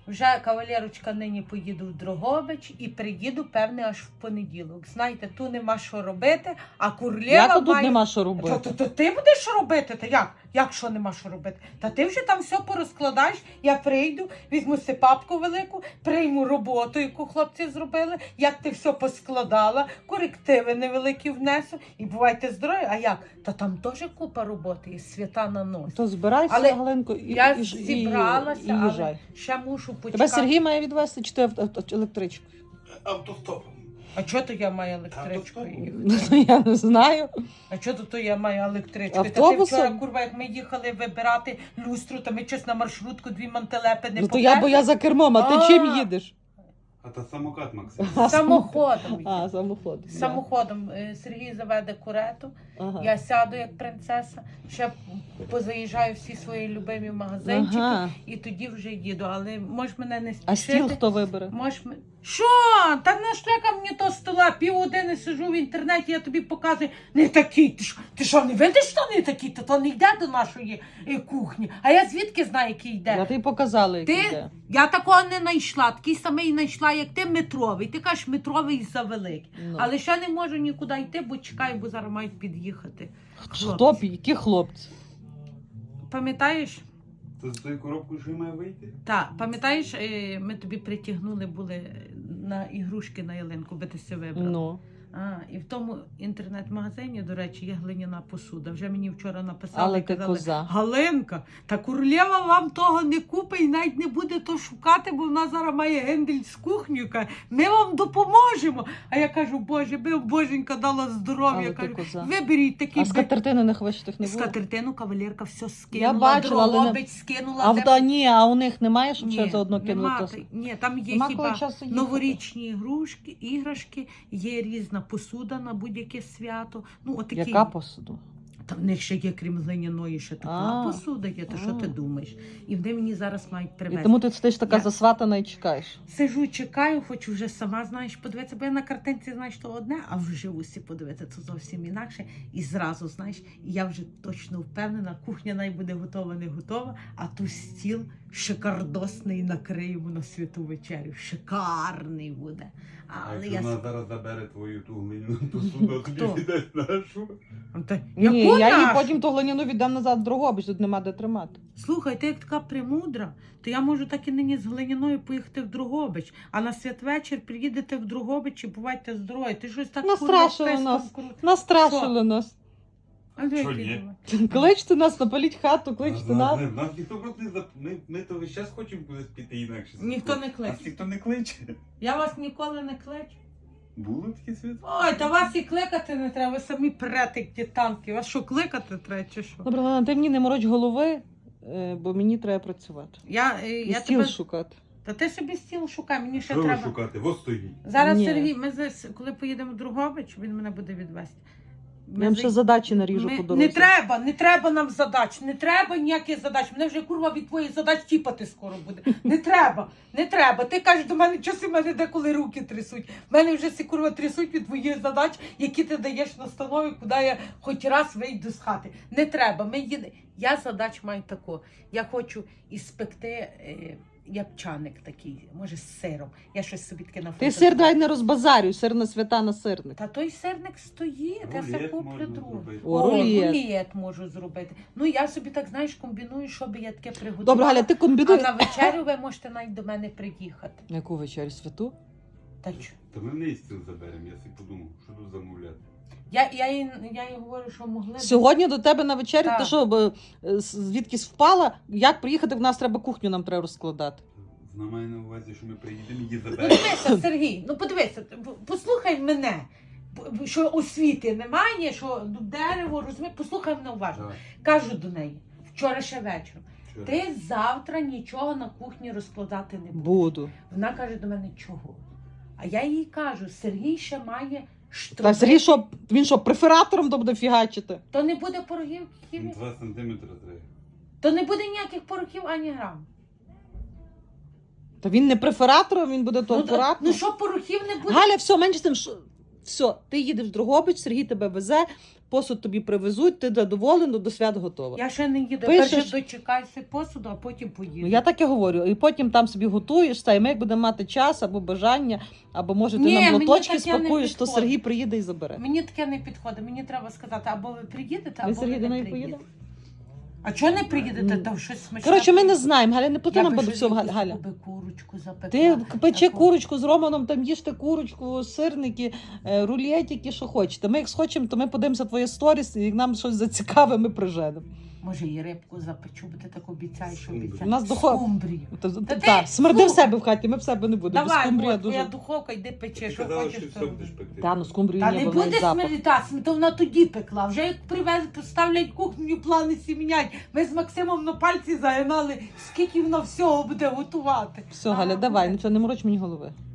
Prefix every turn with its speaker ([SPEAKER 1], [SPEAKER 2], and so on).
[SPEAKER 1] Вже кавалерочка нині поїду в Дрогобич і приїду, певне, аж в понеділок. Знаєте, тут нема що робити, а Курлєва
[SPEAKER 2] Як тут
[SPEAKER 1] має...
[SPEAKER 2] нема що робити?
[SPEAKER 1] То ти будеш що робити? Та як? Як що нема що робити? Та ти вже там все порозкладаєш, я прийду, візьму си папку велику, прийму роботу, яку хлопці зробили, як ти все поскладала, корективи невеликі внесу, і бувайте здорові. А як? Та там теж купа роботи, і свята на нос.
[SPEAKER 2] То збирайся,
[SPEAKER 1] Але
[SPEAKER 2] Галинко,
[SPEAKER 1] я зібралася,
[SPEAKER 2] і їжджай.
[SPEAKER 1] але ще мушу почекати.
[SPEAKER 2] Тебе Сергій має відвезти, чи ти електричкою?
[SPEAKER 3] Автостопом.
[SPEAKER 1] А чого то я маю електричкою
[SPEAKER 3] Автостопом.
[SPEAKER 1] їхати?
[SPEAKER 2] Я не знаю.
[SPEAKER 1] А чого то я маю електричкою? Та ти
[SPEAKER 2] Автобусом?
[SPEAKER 1] вчора, курва, як ми їхали вибирати люстру, то ми щось на маршрутку дві мантелепи не
[SPEAKER 2] Ну то бо я за кермом, а ти
[SPEAKER 1] А.
[SPEAKER 2] чим їдеш?
[SPEAKER 3] А то самокат, Максим.
[SPEAKER 1] Самоходом.
[SPEAKER 2] А, самоход.
[SPEAKER 1] Самоходом Сергій заведе курету,
[SPEAKER 2] Ага.
[SPEAKER 1] я сяду як принцеса, ще позаїжджаю всі свої любимі магазинчики
[SPEAKER 2] Ага.
[SPEAKER 1] і тоді вже їду. Але можеш мене не
[SPEAKER 2] А
[SPEAKER 1] спішити.
[SPEAKER 2] стіл хто вибере?
[SPEAKER 1] Що? Та нашлякав мені то стола, півгодини сижу в інтернеті, я тобі показую, не такий. Ти що, не видиш, що не такий? То не йде до нашої кухні. А я звідки знаю, який йде?
[SPEAKER 2] Я тобі показала, який йде.
[SPEAKER 1] Я такого не знайшла, такий самий знайшла, як ти, метровий. Ти кажеш, метровий завеликий.
[SPEAKER 2] Ну.
[SPEAKER 1] Але ще не можу нікуди йти, бо чекаю, бо зараз мають під'їхати.
[SPEAKER 2] Хто б? Які хлопці?
[SPEAKER 1] Пам'ятаєш?
[SPEAKER 3] То з тою коробкою що має вийти?
[SPEAKER 1] Так, пам'ятаєш, ми тобі притягнули були на ігрушки на ялинку, би ти все вибрав.
[SPEAKER 2] Ну.
[SPEAKER 1] І в тому інтернет-магазині, до речі, є глиняна посуда. Вже мені вчора написали
[SPEAKER 2] Але
[SPEAKER 1] і
[SPEAKER 2] ти
[SPEAKER 1] казали,
[SPEAKER 2] коза.
[SPEAKER 1] Галинка, та Курлєва вам того не купить і навіть не буде то шукати, бо вона зараз має гендель з кухнею. Каже, ми вам допоможемо. А я кажу, Боже, би боженька дала здоров'я.
[SPEAKER 2] Але ти
[SPEAKER 1] Кажу,
[SPEAKER 2] коза.
[SPEAKER 1] виберіть такі.
[SPEAKER 2] А скатертини не хвачитих не було?
[SPEAKER 1] Скатертину кавалерка все скинула,
[SPEAKER 2] Я бачила, але не-
[SPEAKER 1] Дрогобич скинула.
[SPEAKER 2] А
[SPEAKER 1] де-
[SPEAKER 2] ні, а у них немає, щоб ще
[SPEAKER 1] Ні,
[SPEAKER 2] заодно кинули
[SPEAKER 1] нема,
[SPEAKER 2] то?
[SPEAKER 1] ні, там є
[SPEAKER 2] Нема коли
[SPEAKER 1] хіба
[SPEAKER 2] часу їхати.
[SPEAKER 1] новорічні іграшки, є різна посуда на будь-яке свято. Ну, отакі.
[SPEAKER 2] Яка посуда?
[SPEAKER 1] Та в них ще є, крім глиняної, ще така
[SPEAKER 2] А.
[SPEAKER 1] посуда є, то що ти думаєш? І вони мені зараз мають
[SPEAKER 2] І
[SPEAKER 1] привезти.
[SPEAKER 2] тому ти стоїш така
[SPEAKER 1] Я-
[SPEAKER 2] засватана і чекаєш.
[SPEAKER 1] Сижу, чекаю, хочу вже сама, знаєш, подивитися, бо я на картинці, знаєш, то одне, а вживу всі подивитися, це зовсім інакше. І зразу, знаєш, і я вже точно впевнена, кухня най буде готова, не готова, а ту стіл шикардосний накриємо на святу вечерю. Шикарний буде.
[SPEAKER 3] А
[SPEAKER 1] Але
[SPEAKER 3] якщо
[SPEAKER 1] я...
[SPEAKER 3] вона зараз забере твою ту глиняну посуду, а тобі
[SPEAKER 1] Хто?
[SPEAKER 3] віддасть нашу?
[SPEAKER 1] Та,
[SPEAKER 2] Ні,
[SPEAKER 1] яку
[SPEAKER 2] я її
[SPEAKER 1] нашу?
[SPEAKER 2] потім ту глиняну віддам назад в Дрогобич, тут нема де тримати.
[SPEAKER 1] Слухай, ти як така премудра, то я можу так і нині з глиняною поїхати в Дрогобич, а на святвечір приїдете в Дрогобич і бувайте здорові. Ти щось так
[SPEAKER 2] Настрашили
[SPEAKER 1] курва,
[SPEAKER 2] нас.
[SPEAKER 1] писком
[SPEAKER 2] Настрашили нас.
[SPEAKER 1] А де
[SPEAKER 3] Що,
[SPEAKER 1] які
[SPEAKER 3] ні?
[SPEAKER 1] думаєш?
[SPEAKER 2] Кличте нас, напаліть хату, кличте нас.
[SPEAKER 3] Нас ніхто просто не ми то весь час хочемо кудись піти інакше.
[SPEAKER 1] Ніхто не кличе.
[SPEAKER 3] Нас ніхто не кличе.
[SPEAKER 1] Я вас ніколи не кличу.
[SPEAKER 3] Було таке свято?
[SPEAKER 1] Ой, та вас і кликати не треба, ви самі прете, як ті танки. Вас що, кликати треба чи що?
[SPEAKER 2] Добре, Галина, ти мені не мороч голови, бо мені треба працювати. І
[SPEAKER 1] Я
[SPEAKER 2] стіл
[SPEAKER 1] тебе...
[SPEAKER 2] шукати.
[SPEAKER 1] Та ти собі стіл шукай, мені ще
[SPEAKER 3] Що ви
[SPEAKER 1] треба.
[SPEAKER 3] шукати? Во стоїть.
[SPEAKER 1] Зараз
[SPEAKER 2] Ні.
[SPEAKER 1] Сергій, ми коли поїдемо в Дрогобич, він мене буде відвезти.
[SPEAKER 2] Я вам ще задачі наріжу по дорозі.
[SPEAKER 1] Не треба нам задач, не треба ніяких задач. Мене вже курва від твоїх задач тіпати скоро буде. Не треба. Ти кажеш до мене, часи в мене деколи руки трясуть. В мене вже всі курва трясуть від твоїх задач, які ти даєш настанови, куди я хоч раз вийду з хати. Не треба. Я задач маю таку. Я хочу іспекти ябчаник такий, може з сиром. Я щось собі таке
[SPEAKER 2] Ти сир давай не розбазарюй, сир на свята на сирник.
[SPEAKER 1] Та той сирник стоїть, я все
[SPEAKER 3] Рулет
[SPEAKER 1] куплю
[SPEAKER 3] можна
[SPEAKER 1] другу.
[SPEAKER 3] зробити.
[SPEAKER 2] О, рулет.
[SPEAKER 1] Рулет можу зробити. Ну я собі так, знаєш, комбіную, щоб я таке приготувала.
[SPEAKER 2] Добре, Галя, ти
[SPEAKER 1] А
[SPEAKER 2] комбінуй.
[SPEAKER 1] на вечерю ви можете навіть до мене приїхати.
[SPEAKER 2] На яку вечерю святу?
[SPEAKER 1] Та чо?
[SPEAKER 3] Та ми в неї стіл заберемо, я собі подумав, що тут замовляти.
[SPEAKER 1] Я їй говорю, що могли б-
[SPEAKER 2] Сьогодні до тебе на вечерю,
[SPEAKER 1] Так.
[SPEAKER 2] ти що, звідкись впала? Як приїхати, в нас треба кухню, нам треба розкладати.
[SPEAKER 3] Вона має на увазі, що ми приїдемо її
[SPEAKER 1] Ну
[SPEAKER 3] заберемо.
[SPEAKER 1] дивися, Сергій, ну подивися, послухай мене, що освіти немає, що дерево, розумієш, послухай мене уважно.
[SPEAKER 3] Давай.
[SPEAKER 1] Кажу до неї, вчора ще вечором,
[SPEAKER 3] Що?
[SPEAKER 1] ти завтра нічого на кухні розкладати не будеш.
[SPEAKER 2] Буду.
[SPEAKER 1] Вона каже до мене, чого? А я їй кажу, Сергій ще має
[SPEAKER 2] Та Сергій, що, він що, префератором то буде фігачити?
[SPEAKER 1] То не буде порохів,
[SPEAKER 3] 2 сантиметри треба.
[SPEAKER 1] то не буде ніяких порохів ані грам.
[SPEAKER 2] Та він не префератором, він буде то
[SPEAKER 1] Ну,
[SPEAKER 2] акуратно.
[SPEAKER 1] ну що порохів не буде?
[SPEAKER 2] Галя, все, менше з тим, що... Все, ти їдеш в Дрогобич, Сергій тебе везе, посуд тобі привезуть, ти задоволена, до свят готова.
[SPEAKER 1] Я ще не їду.
[SPEAKER 2] Пишеш?
[SPEAKER 1] Перше дочекайся посуду, а потім поїду.
[SPEAKER 2] Ну, я так і говорю. І потім там собі готуєш, та, і ми як будемо мати час або бажання, або може ти
[SPEAKER 1] Ні,
[SPEAKER 2] нам
[SPEAKER 1] мені
[SPEAKER 2] лоточки
[SPEAKER 1] таке не
[SPEAKER 2] спакуєш, то
[SPEAKER 1] підходить.
[SPEAKER 2] Сергій приїде і забере.
[SPEAKER 1] Мені таке не підходить. Мені треба сказати, або ви приїдете,
[SPEAKER 2] Ви,
[SPEAKER 1] або
[SPEAKER 2] Сергій,
[SPEAKER 1] ви
[SPEAKER 2] до
[SPEAKER 1] не
[SPEAKER 2] неї
[SPEAKER 1] приїдете.
[SPEAKER 2] поїдете?
[SPEAKER 1] А чого не приїдете?
[SPEAKER 2] Ну,
[SPEAKER 1] Там щось смачне.
[SPEAKER 2] Коротше, ми не знаємо, Галя, не плати
[SPEAKER 1] Я
[SPEAKER 2] нам
[SPEAKER 1] би
[SPEAKER 2] до
[SPEAKER 1] щось
[SPEAKER 2] всього,
[SPEAKER 1] якусь
[SPEAKER 2] Галя.
[SPEAKER 1] би курочку запекла.
[SPEAKER 2] Ти печи
[SPEAKER 1] Таку.
[SPEAKER 2] курочку з Романом, там їжте курочку, сирники, рулетики, що хочете. Ми як схочемо, то ми подивимося твоє сторіс, і як нам щось зацікаве, ми приженемо.
[SPEAKER 1] Може, і рибку запечу, бо ти так обіцяєш, що
[SPEAKER 3] У
[SPEAKER 1] обіцяєш.
[SPEAKER 2] нас духов-
[SPEAKER 1] Скумбрію.
[SPEAKER 2] Так,
[SPEAKER 1] ти,
[SPEAKER 2] смерди в
[SPEAKER 1] слухай.
[SPEAKER 2] себе в хаті, ми в себе не будемо. Без
[SPEAKER 1] Давай,
[SPEAKER 2] скумбрія
[SPEAKER 1] от, твоя
[SPEAKER 2] дуже.
[SPEAKER 1] духовка, йди печи,
[SPEAKER 3] Ти
[SPEAKER 1] що
[SPEAKER 3] казала,
[SPEAKER 1] хочеш.
[SPEAKER 3] що
[SPEAKER 1] то
[SPEAKER 3] все
[SPEAKER 1] роби.
[SPEAKER 3] будеш пекти.
[SPEAKER 2] Та, ну скумбрію
[SPEAKER 1] Та
[SPEAKER 2] ні,
[SPEAKER 1] не
[SPEAKER 2] бо вона
[SPEAKER 1] буде
[SPEAKER 2] запах.
[SPEAKER 1] смердітати, то вона тоді пекла. Вже як привезли, поставлять кухню, плани всі міняють. Ми з Максимом на пальці загинали, скільки вона всього буде готувати.
[SPEAKER 2] Все, Галя, давай, нічого не мороч мені голови.